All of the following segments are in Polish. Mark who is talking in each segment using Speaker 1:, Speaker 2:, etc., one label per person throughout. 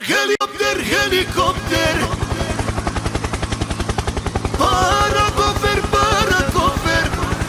Speaker 1: Helikopter, helikopter. Parakofer, parakofer.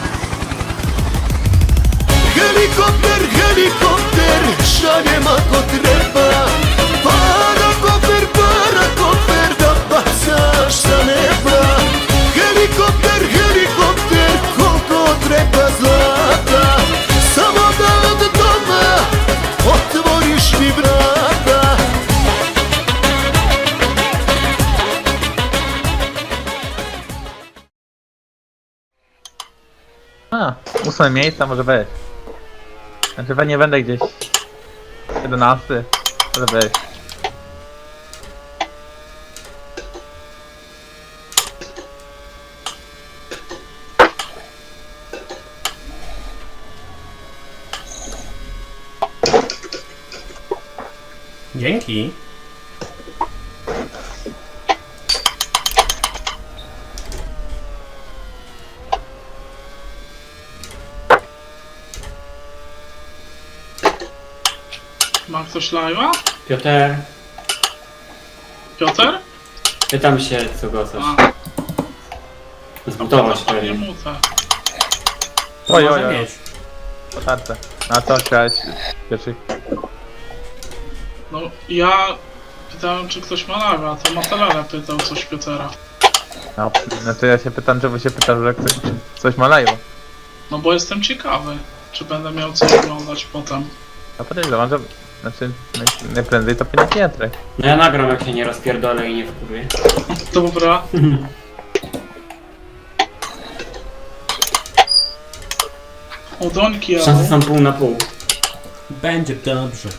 Speaker 1: Helikopter, helikopter. Szanie ma ko treba. Parakofer, parakofer. Da pasaš sa neba. Helikopter, helikopter. Koliko treba zlata. Samo da od doma otvoriš mi vrata.
Speaker 2: A, 8 miejsca może być. Znaczy pewnie będę gdzieś 11, może być.
Speaker 3: Dzięki.
Speaker 4: Ma ktoś live'a?
Speaker 5: Piotr,
Speaker 4: Piotr?
Speaker 5: pytam się, co go coś.
Speaker 4: A,
Speaker 5: Zbudował się
Speaker 4: nie
Speaker 5: pewnie.
Speaker 4: mucę.
Speaker 3: To
Speaker 2: Oj,
Speaker 3: może
Speaker 2: oj, oj.
Speaker 3: mieć.
Speaker 2: Po tarce. Na co chciałeś pierwszy?
Speaker 4: No, ja pytałem, czy ktoś ma live'a, to Matelele pytał coś Piotra.
Speaker 2: No, znaczy ja się pytam, czemu się pytasz, że ktoś coś malają.
Speaker 4: No bo jestem ciekawy, czy będę miał co oglądać potem.
Speaker 2: A podejrzewam, że... Znaczy, najprędzej to pewnie Pietrek.
Speaker 5: No ja nagram, jak się nie rozpierdolę i nie wkurwię.
Speaker 4: Dobra. O, Dońki,
Speaker 5: Szanse
Speaker 4: ale...
Speaker 5: są pół na pół.
Speaker 3: Będzie dobrze.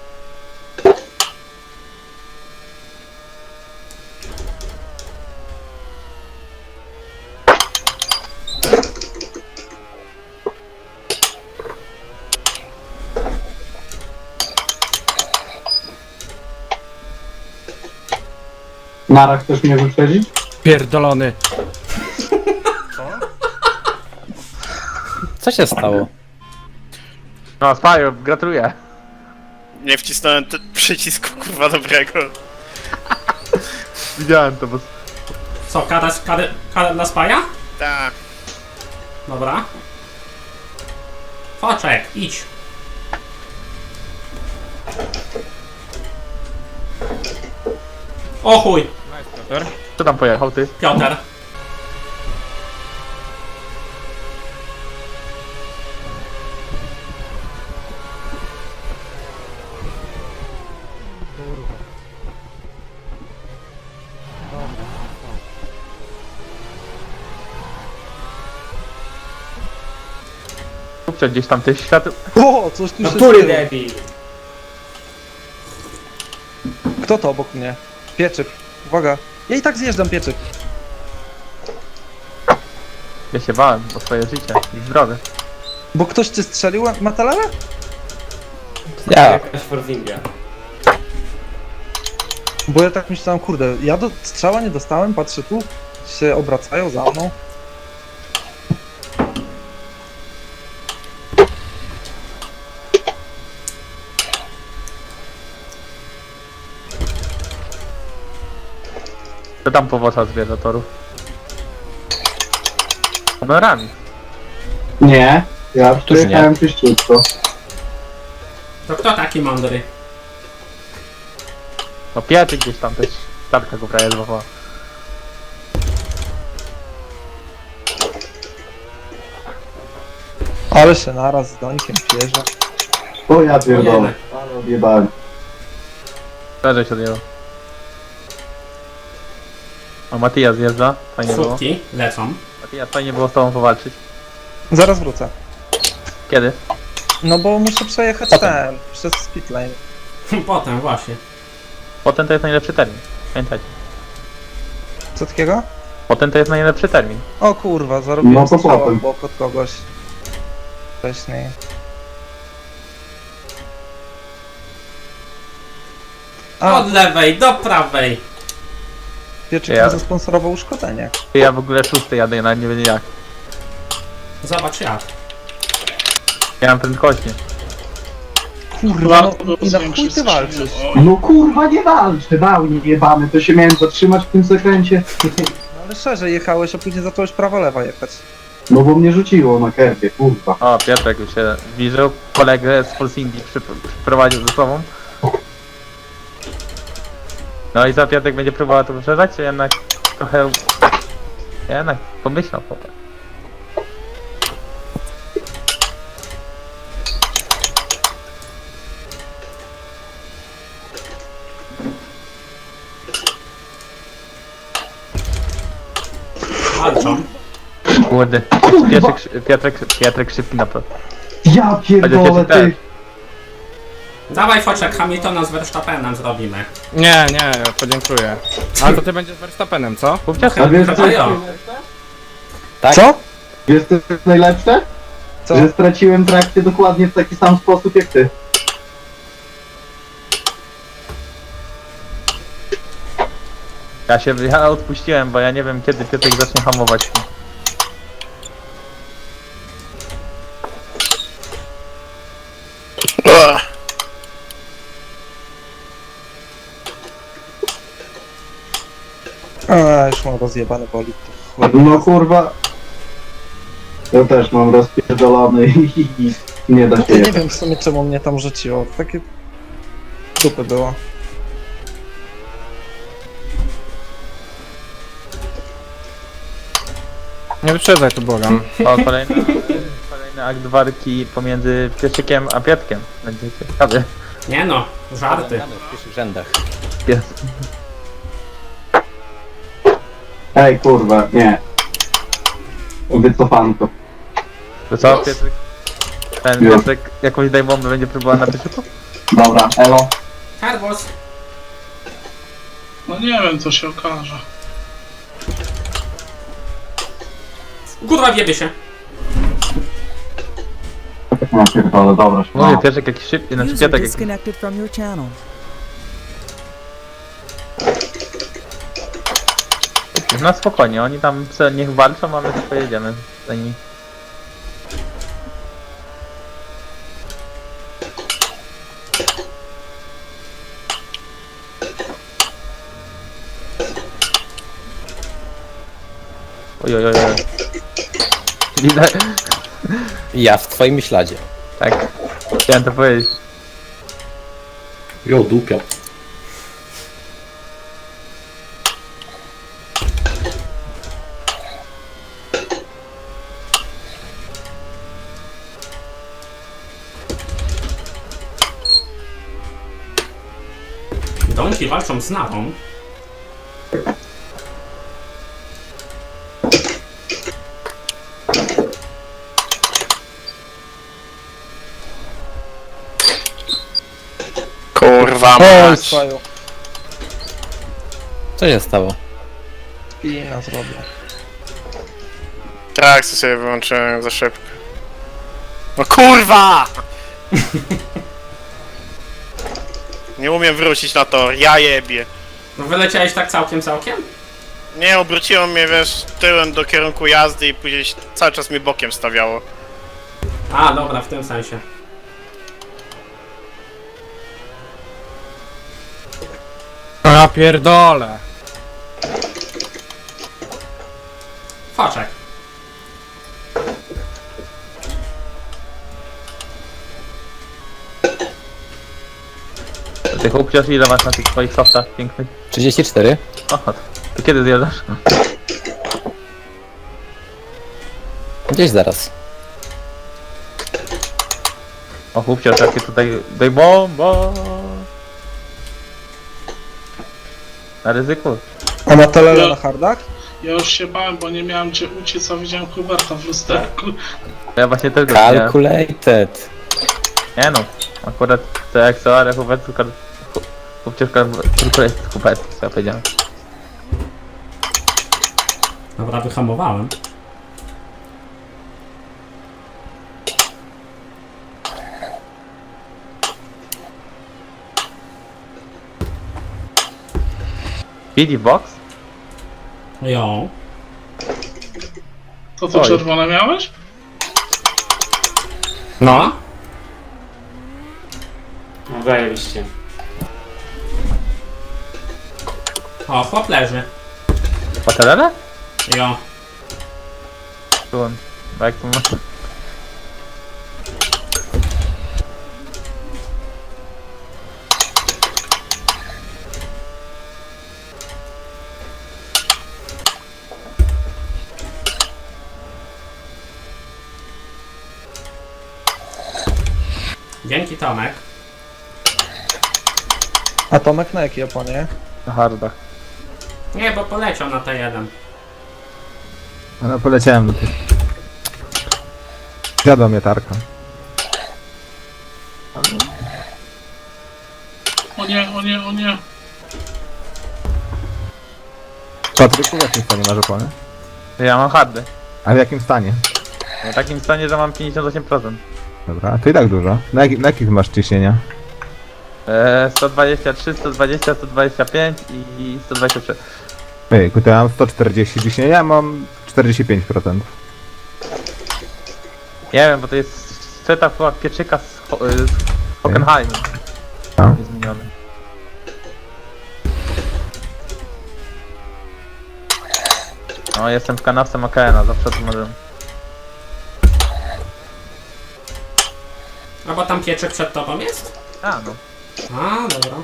Speaker 6: Nara, chcesz mnie wyprzedzić?
Speaker 7: Pierdolony. Co się stało?
Speaker 2: No, Spaju, gratuluję.
Speaker 8: Nie wcisnąłem przycisku kurwa dobrego.
Speaker 2: Widziałem to, bo...
Speaker 3: Co, kadę dla spaja?
Speaker 8: Tak.
Speaker 3: Dobra. Foczek, idź. O chuj,
Speaker 2: Co tam pojechał, ty?
Speaker 3: Piotr.
Speaker 2: Kupcie gdzieś tam tych świateł...
Speaker 7: O, coś tu
Speaker 5: No
Speaker 7: się
Speaker 5: pury
Speaker 7: stało.
Speaker 5: debil!
Speaker 7: Kto to obok mnie? Pieczyk. Uwaga. Ja i tak zjeżdżam, Pieczyk.
Speaker 2: Ja się bałem o swoje życie i zdrowie.
Speaker 7: Bo ktoś cię strzelił, Matalele?
Speaker 5: Jakaś Forzinga.
Speaker 7: Bo ja tak myślałem, kurde, ja do strzała nie dostałem, patrzę tu, się obracają za mną.
Speaker 2: Co tam powodza zwierzatorów? Kamerami.
Speaker 6: Nie, ja
Speaker 7: Któż
Speaker 6: przyjechałem czyściutko.
Speaker 3: To kto taki mądry?
Speaker 2: No Pietrek gdzieś tam też. Tarka go prawie złapała.
Speaker 7: Ale się naraz z Dońkiem pierze.
Speaker 6: O ja pierdolę,
Speaker 3: Ojej.
Speaker 6: ale odjebałem.
Speaker 2: Szerzej się odjęło. O, Matija zjeżdża. Fajnie było.
Speaker 3: Słówki lecą.
Speaker 2: Matija, fajnie było z tobą powalczyć.
Speaker 7: Zaraz wrócę.
Speaker 2: Kiedy?
Speaker 7: No bo muszę przejechać ten, przez speedlane.
Speaker 3: Potem właśnie.
Speaker 2: Potem to jest najlepszy termin. Pamiętajcie.
Speaker 7: Co takiego?
Speaker 2: Potem to jest najlepszy termin.
Speaker 7: O kurwa, zarobiłem
Speaker 6: No to
Speaker 7: strzała
Speaker 6: potem.
Speaker 7: w bok od kogoś. Wcześniej. A,
Speaker 3: Od lewej do prawej.
Speaker 7: Pieczyk
Speaker 2: Ja-
Speaker 7: mi zasponsorował uszkodzenie.
Speaker 2: Ja w ogóle szósty jadę, nawet nie wiem jak.
Speaker 3: Zobacz jak.
Speaker 2: Ja mam prędkości.
Speaker 7: Kurwa, no i na
Speaker 4: rozumiem,
Speaker 7: chuj ty
Speaker 4: wszyscy
Speaker 7: walczysz?
Speaker 4: się- Oj,
Speaker 6: No kurwa, nie walczę, dał jebany, to się miałem zatrzymać w tym zakręcie.
Speaker 7: No ale szerzej jechałeś, a później zacząłeś prawo-lewa jechać.
Speaker 6: No bo mnie rzuciło na kerbie, kurwa.
Speaker 2: O, Piotrek już się zbliżył. Kolegę z Force Indy przyprowadził ze sobą. No i co, Piotrek będzie próbował to wyprzedzać, czy jednak trochę... Jednak pomyślał chłopak.
Speaker 3: Walczą.
Speaker 2: Kurde, Piotrek szybki na pewno.
Speaker 6: Ja pierdolę, ty.
Speaker 3: Dawaj Foczek, Hamiltona z Verstappenem zrobimy.
Speaker 9: Nie, nie, podziękuję. Ale to ty będziesz Verstappenem, co?
Speaker 2: Kupcie
Speaker 6: A wiesz
Speaker 3: Chyba
Speaker 6: co,
Speaker 3: ja.
Speaker 7: Co?
Speaker 6: wiesz co jest najlepsze?
Speaker 7: Co?
Speaker 6: Że straciłem trakcję dokładnie w taki sam sposób jak ty.
Speaker 2: Ja odpuściłem, bo ja nie wiem kiedy Piotrek zacznie hamować.
Speaker 8: Ugh.
Speaker 7: A, już mam rozjebany bolid.
Speaker 6: No kurwa. Ja też mam rozpierdolony i nie da się
Speaker 7: Ja nie
Speaker 6: jechać.
Speaker 7: wiem w sumie czemu mnie tam rzuciło. Takie dupy było.
Speaker 9: Nie wyprzedzaj tu, błagam.
Speaker 2: O, kolejny akt walki pomiędzy Pieszykiem a Piotkiem. Będzie ciekawy.
Speaker 3: Nie no, żarty.
Speaker 9: W pierwszych rzędach.
Speaker 2: Pies.
Speaker 6: Ej kurwa, nie. Wycofanko.
Speaker 2: To co, Piotrek? Ten
Speaker 6: Już.
Speaker 2: Piotrek jakąś daj bombę będzie próbował na Pieszyku?
Speaker 6: Dobra, elo.
Speaker 3: Servus.
Speaker 4: No nie wiem, co się okaże.
Speaker 3: Kurwa, wiebie się.
Speaker 6: No pierdolę, dobra.
Speaker 2: Mówię,
Speaker 6: No.
Speaker 2: Piotrek jakiś szybki, znaczy
Speaker 10: User
Speaker 2: Piotrek jakiś...
Speaker 10: disconnected from your channel.
Speaker 2: No spokojnie, oni tam niech walczą, a my tylko pojedziemy za nimi. Ojojoj. Widzę.
Speaker 9: Ja w twoim śladzie.
Speaker 2: Tak. Chciałem to powiedzieć.
Speaker 11: Jo, dupia.
Speaker 3: Donki walczą z Nawą.
Speaker 8: Kurwa
Speaker 7: Oj,
Speaker 8: mać.
Speaker 7: swoją.
Speaker 9: Co się stało?
Speaker 7: Spina zrobię.
Speaker 8: Trakcję sobie wyłączyłem za szybko. No kurwa! Nie umiem wrócić na tor, ja jebie.
Speaker 3: No wyleciałeś tak całkiem?
Speaker 8: Nie, obróciło mnie, wiesz, tyłem do kierunku jazdy i później cały czas mi bokiem stawiało.
Speaker 3: A, dobra, w tym sensie.
Speaker 9: Ja pierdolę.
Speaker 3: Foczek.
Speaker 2: Ty chłopciarz, ile masz na tych swoich softach pięknych?
Speaker 9: 34?
Speaker 2: Oho, to kiedy zjeżdżasz?
Speaker 9: Gdzieś zaraz.
Speaker 2: O chłopciarz, jakie tutaj... Daj bomba! Na ryzyku.
Speaker 7: A na telele na hardach?
Speaker 4: Ja już się bałem, bo nie miałem gdzie uciec, a widziałem Huberta w lusterku.
Speaker 2: Ja właśnie też go widziałem.
Speaker 9: Calculated.
Speaker 2: Nie no, akurat to jak co, ale chłopiec tylko jest chłopiec, co ja powiedziałem.
Speaker 3: Dobra, wyhamowałem.
Speaker 2: Speedy box?
Speaker 3: Jo.
Speaker 4: To co,
Speaker 2: Oj.
Speaker 4: czerwone miałeś?
Speaker 9: No.
Speaker 5: No zajebiście.
Speaker 3: O, chłop leży.
Speaker 2: Patelele?
Speaker 3: Jo.
Speaker 2: Tu on. Bo jak tu masz...
Speaker 3: Dzięki, Tomek.
Speaker 7: A Tomek na jakiej oponie?
Speaker 2: Na hardach.
Speaker 3: Nie, bo poleciał na T1.
Speaker 9: No poleciałem do tych. Zjadła mnie tarka.
Speaker 4: O nie, o nie, o nie.
Speaker 9: Patryku, w jakim stanie masz opony?
Speaker 2: Ja mam hardy.
Speaker 9: A w jakim stanie?
Speaker 2: W takim stanie, że mam 58%.
Speaker 9: Dobra, to i tak dużo. Na jakich masz ciśnienia?
Speaker 2: 123, 120, 125 i 123.
Speaker 9: Ejku, to ja mam 140 ciśnienia, mam 45%.
Speaker 2: Nie wiem, bo to jest setup chyba pieczyka z Hockenheim.
Speaker 9: No.
Speaker 2: Jest zmieniony. No, jestem w kanawce Makena, zawsze to może.
Speaker 3: A bo tam pieczyk przed tobą jest?
Speaker 2: A, no.
Speaker 3: A, dobra.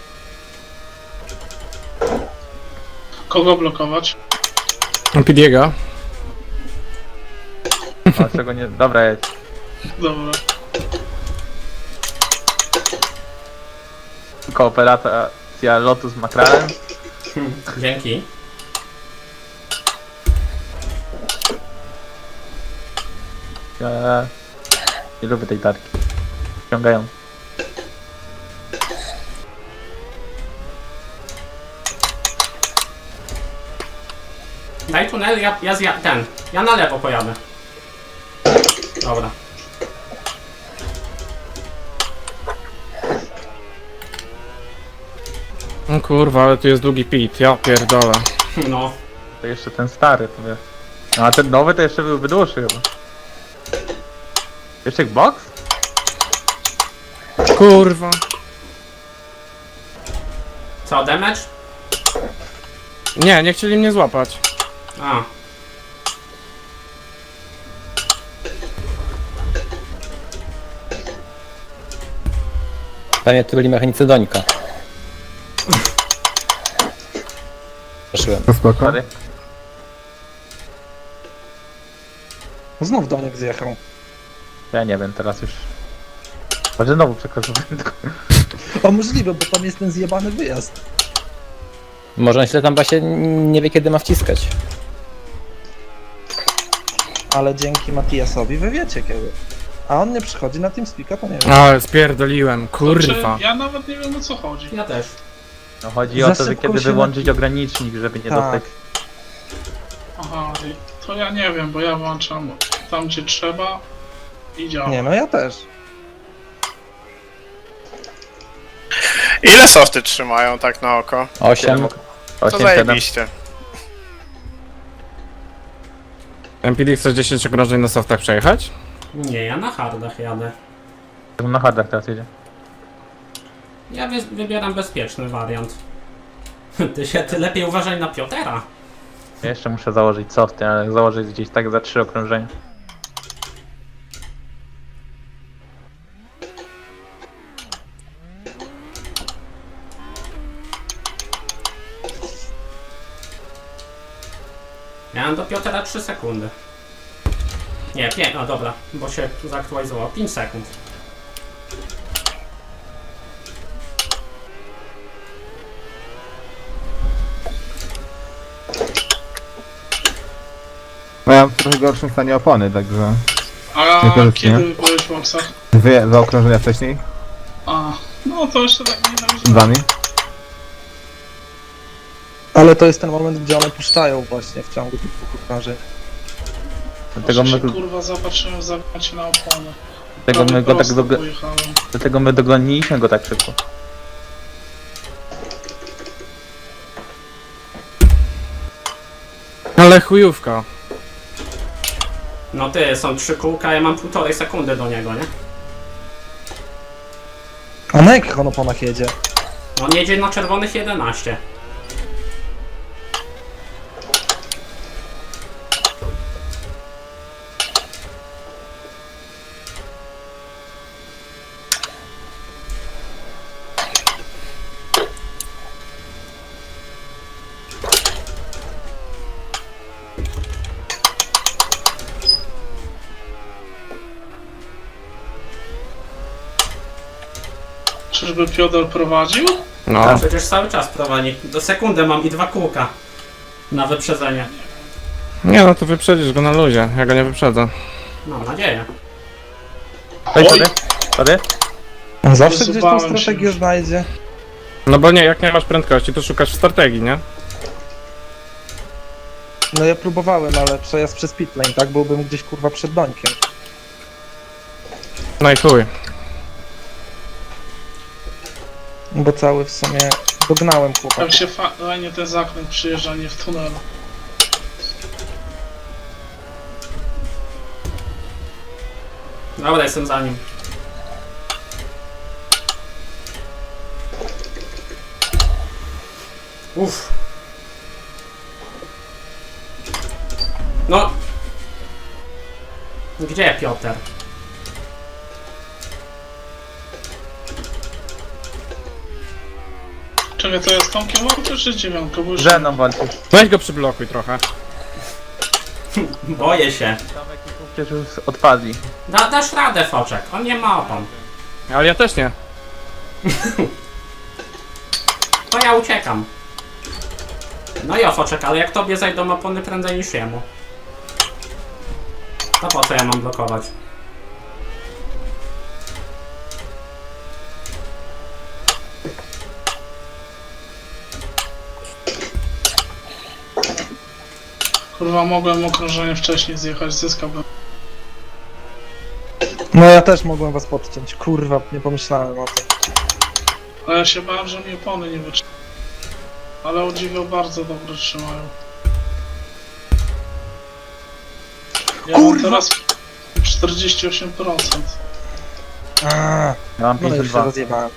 Speaker 4: Kogo blokować?
Speaker 9: Pidiego.
Speaker 2: O, czego nie. Dobra, jedź.
Speaker 4: Dobra.
Speaker 2: Kooperacja Lotus McLaren.
Speaker 3: Dzięki.
Speaker 2: Ja nie lubię tej tarki. Ściągają.
Speaker 3: Daj tunel, ja na lewo pojadę. Dobra.
Speaker 9: No kurwa, ale tu jest długi pit, ja pierdolę.
Speaker 3: No.
Speaker 2: To jeszcze ten stary, to wiesz. No a ten nowy to jeszcze byłby dłuższy chyba. Jeszcze box?
Speaker 9: Kurwa.
Speaker 3: Co, damage?
Speaker 9: Nie chcieli mnie złapać.
Speaker 3: A.
Speaker 10: Pewnie tu byli mechanicy Dońka. Zaszyłem.
Speaker 9: To spoko.
Speaker 2: Stary.
Speaker 7: Znów Doniek zjechał.
Speaker 2: Ja nie wiem, teraz już. Może znowu przekroczył prędkość.
Speaker 7: O, możliwe, bo tam jest ten zjebany wyjazd.
Speaker 10: Może on się tam właśnie nie wie kiedy ma wciskać.
Speaker 7: Ale dzięki Matiasowi wy wiecie kiedy. A on nie przychodzi na TeamSpeaka, to nie wiem.
Speaker 9: Ale spierdoliłem, kurwa.
Speaker 4: Ja nawet nie wiem o co chodzi.
Speaker 3: Ja też.
Speaker 2: No chodzi
Speaker 7: Za
Speaker 2: o to, że
Speaker 7: szybko
Speaker 2: kiedy
Speaker 7: się
Speaker 2: wyłączyć ogranicznik, żeby nie
Speaker 7: Tak.
Speaker 2: dostać.
Speaker 4: Aha, to ja nie wiem, bo ja włączam tam gdzie trzeba i działa.
Speaker 7: Nie, no ja też.
Speaker 8: Ile softy trzymają tak na oko?
Speaker 10: 8.
Speaker 8: 8,
Speaker 2: 8, 7.
Speaker 8: zajebiście.
Speaker 9: MPD chcesz 10 okrążeń na softach przejechać?
Speaker 3: Nie, ja na hardach jadę.
Speaker 2: Na hardach teraz jedzie.
Speaker 3: Ja wybieram bezpieczny wariant. Ty lepiej uważaj na Piotera.
Speaker 2: Ja jeszcze muszę założyć softy, ale założyć gdzieś tak za 3 okrążenia.
Speaker 3: Miałem do Piotera 3 sekundy. Nie, 5, no dobra, bo się tu zaktualizowało. 5 sekund.
Speaker 9: No ja mam w trochę gorszym stanie opony, także...
Speaker 4: A
Speaker 9: Niekoniecznie.
Speaker 4: kiedy byłeś w boksach?
Speaker 9: Dwa okrążenia wcześniej?
Speaker 4: A, no to jeszcze tak nie
Speaker 9: Z wami?
Speaker 7: Ale to jest ten moment, gdzie one puszczają właśnie w ciągu tych dwóch okrążeń.
Speaker 2: Dlatego my,
Speaker 4: kurwa zapatrzyłem w zagrać na opony.
Speaker 2: dlatego my go tak
Speaker 4: pojechałem.
Speaker 2: dlatego my dogoniliśmy go tak szybko.
Speaker 9: Ale chujówka.
Speaker 3: No ty, są 3 kółka, ja mam 1,5 sekundy do niego, nie?
Speaker 7: A na jakich on oponach jedzie?
Speaker 3: On jedzie na czerwonych 11.
Speaker 4: Czyżby Piotr prowadził?
Speaker 9: No.
Speaker 3: Przecież cały czas prowadzi. Do sekundy mam i 2 kółka na wyprzedzenie.
Speaker 9: Nie no, to wyprzedzisz go na luzie, ja go nie wyprzedzę.
Speaker 3: Mam nadzieję.
Speaker 2: Oj, sorry.
Speaker 7: On zawsze gdzieś tą
Speaker 4: Wyzywałem się
Speaker 7: strategię
Speaker 4: już.
Speaker 7: znajdzie.
Speaker 9: No bo nie, jak nie masz prędkości, to szukasz w strategii, nie?
Speaker 7: No ja próbowałem, ale przejazd przez pitlane, tak? Byłbym gdzieś kurwa przed dońkiem.
Speaker 9: No i chuj.
Speaker 7: Bo cały w sumie dognałem chłopaków.
Speaker 4: Jak się fajnie ten zakręt przyjeżdża, nie w tunelu.
Speaker 3: Dobra, jestem za nim. Uff. No. Gdzie Piotr?
Speaker 4: Czekaj, to jest Tomkiem Walkę czy 9? Bo już...
Speaker 2: Ze mną walczysz.
Speaker 9: Weź go przyblokuj trochę.
Speaker 3: Boję się.
Speaker 2: Tomek i przecież już odpadli.
Speaker 3: Dasz radę, Foczek. On nie ma opon.
Speaker 9: Ale ja też nie.
Speaker 3: To ja uciekam. No i Foczek, ale jak tobie zajdą opony prędzej niż jemu. To po co ja mam blokować?
Speaker 4: Kurwa, mogłem okrążenie wcześniej zjechać, zyskałbym.
Speaker 7: No ja też mogłem was podciąć. Kurwa, nie pomyślałem o tym.
Speaker 4: Ale ja się bałem, że mi opony nie wytrzymają. Ale o dziwo bardzo dobrze trzymają. Ja mam
Speaker 7: Kurwa!
Speaker 4: teraz 48%.
Speaker 7: Aaa,
Speaker 2: Ja mam
Speaker 7: no już się
Speaker 2: 52.
Speaker 7: rozjebałem.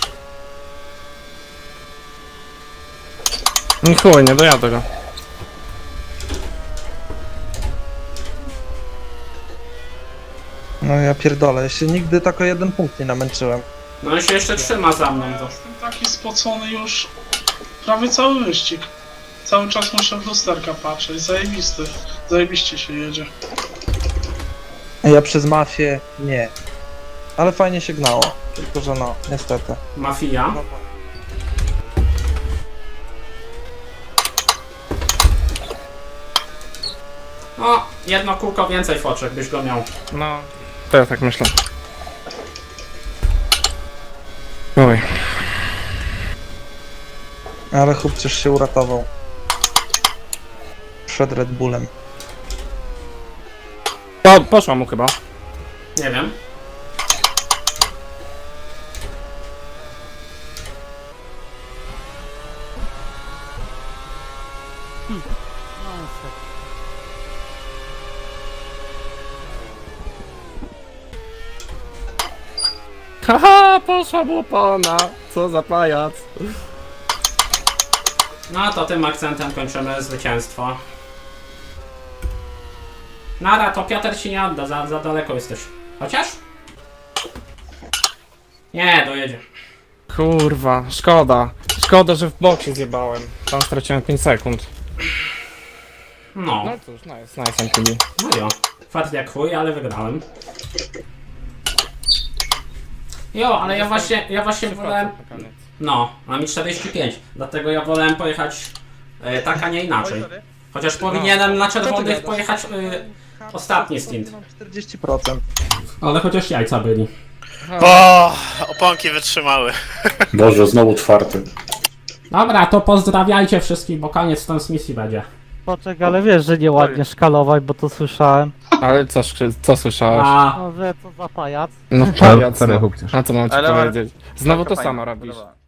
Speaker 9: No chuj, nie dojadę go.
Speaker 7: No ja pierdolę, ja się nigdy tak o 1 punkt nie namęczyłem.
Speaker 3: No on się jeszcze trzyma za mną.
Speaker 4: Ja
Speaker 3: To.
Speaker 4: jestem taki spocony już prawie cały wyścig. Cały czas muszę w lusterka patrzeć, zajebisty. Zajebiście się jedzie.
Speaker 7: Ja przez mafię nie. Ale fajnie się gnało. Tylko że no, niestety.
Speaker 3: Mafia. No, jedno kółko więcej, Foczek, byś go miał.
Speaker 9: No, to ja tak myślę. Oj.
Speaker 7: Ale chłopczysz się uratował. Przed Red Bullem.
Speaker 9: O, poszła mu chyba.
Speaker 3: Nie wiem.
Speaker 9: Haha, poszła mu opona. Co za pajac.
Speaker 3: No to tym akcentem kończymy zwycięstwo. Nara, to Piotr ci nie odda, za daleko jesteś. Chociaż? Nie, dojedzie.
Speaker 9: Kurwa, szkoda. Szkoda, że w boksie zjebałem. Tam straciłem 5 sekund.
Speaker 3: No,
Speaker 9: No cóż, nice MTV.
Speaker 3: no jo. Fart jak chuj, ale wygrałem. Jo, ale ja właśnie wolałem... No, a mi 45, dlatego ja wolałem pojechać tak, a nie inaczej. Chociaż powinienem na czerwonych pojechać ostatni stint.
Speaker 7: Mam 40%.
Speaker 3: Ale chociaż jajca byli.
Speaker 8: O, oponki wytrzymały.
Speaker 11: Boże, znowu 4.
Speaker 3: Dobra, to pozdrawiajcie wszystkich, bo koniec transmisji będzie.
Speaker 10: Poczek, ale wiesz, że nieładnie szkalować, bo to słyszałem.
Speaker 9: Ale co słyszałeś?
Speaker 3: A
Speaker 10: No, że co za pajac.
Speaker 9: No pajac,
Speaker 2: Sorry,
Speaker 9: no.
Speaker 2: Hukciarz.
Speaker 9: A co mam ci
Speaker 2: Ale-
Speaker 9: powiedzieć? Znowu to
Speaker 2: Fajnie,
Speaker 9: samo robisz.
Speaker 2: podoba.